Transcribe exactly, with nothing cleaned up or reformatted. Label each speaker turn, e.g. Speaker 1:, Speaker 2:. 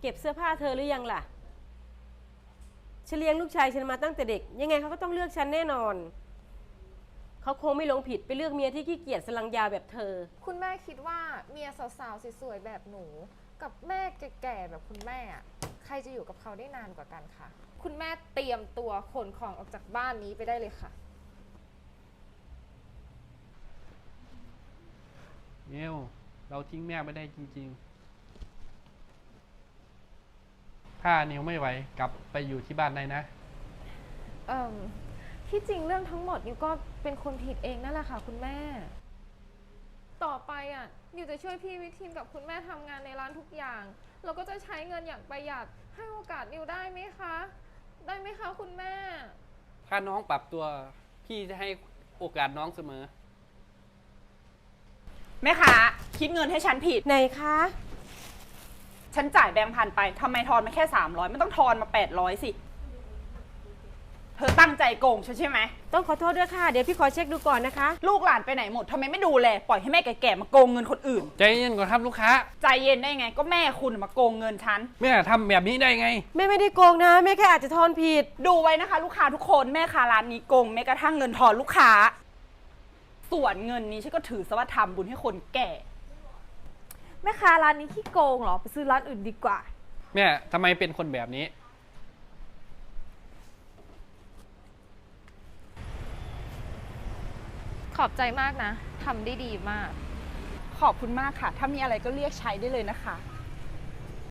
Speaker 1: เก็บเสื้อผ้าเธอหรือยังล่ะฉันเลี้ยงลูกชายฉันมาตั้งแต่เด็กยังไงเขาก็ต้องเลือกฉันแน่นอนเขาคงไม่หลงผิดไปเลือกเมียที่ขี้เกียจสลังยาแบบเธอ
Speaker 2: คุณแม่คิดว่าเมียสาวๆสวยๆแบบหนูกับแม่แก่ๆแบบคุณแม่อะใครจะอยู่กับเขาได้นานกว่ากันคะคุณแม่เตรียมตัวขนของออกจากบ้านนี้ไปได้เลยค่ะ
Speaker 3: เมลเราทิ้งแม่ไม่ได้จริงๆถ้านิวไม่ไหวกลับไปอยู่ที่บ้านได้นะ
Speaker 2: เอ่อที่จริงเรื่องทั้งหมดนิวก็เป็นคนผิดเองนั่นแหละค่ะคุณแม่ต่อไปอ่ะนิวจะช่วยพี่วิทีนกับคุณแม่ทำงานในร้านทุกอย่างเราก็จะใช้เงินอย่างประหยัดให้โอกาสนิวได้ไหมคะได้ไหมคะคุณแม่
Speaker 3: ถ้าน้องปรับตัวพี่จะให้โอกาสน้องเสมอ
Speaker 4: แม่ค้าคิดเงินให้ฉันผิด
Speaker 1: ไหนคะ
Speaker 4: ฉันจ่ายแบงค์พันไปทำไมทอนมาแค่สามร้อยไม่ต้องทอนมาแปดร้อยสิเธอตั้งใจโกงฉันใช่ไหม
Speaker 1: ต้องขอโทษด้วยค่ะเดี๋ยวพี่ขอเช็คดูก่อนนะคะ
Speaker 4: ลูกหลานไปไหนหมดทำไมไม่ดูแลปล่อยให้แม่แก่ๆมาโกงเงินคนอื่น
Speaker 3: ใจเย็นก่อนครับลูกค้า
Speaker 4: ใจเย็นได้ไงก็แม่คุณมาโกงเงินฉัน
Speaker 3: แม่ทำแบบนี้ได้ไง
Speaker 1: แม่ไม่ได้โกงนะแม่แค่อาจจะทอนผิด
Speaker 4: ดูไว้นะคะลูกค้าทุกคนแม่ค้าร้านนี้โกงแม้กระทั่งเงินทอนลูกค้าส่วนเงินนี้ฉันก็ถือซะว่าทำบุญให้คนแก่
Speaker 2: แม่ค้าร้านนี้ขี้โกงเหรอไปซื้อร้านอื่นดีกว่า
Speaker 3: แม่ทำไมเป็นคนแบบนี้
Speaker 2: ขอบใจมากนะทำได้ดีมาก
Speaker 4: ขอบคุณมากค่ะถ้ามีอะไรก็เรียกใช้ได้เลยนะคะ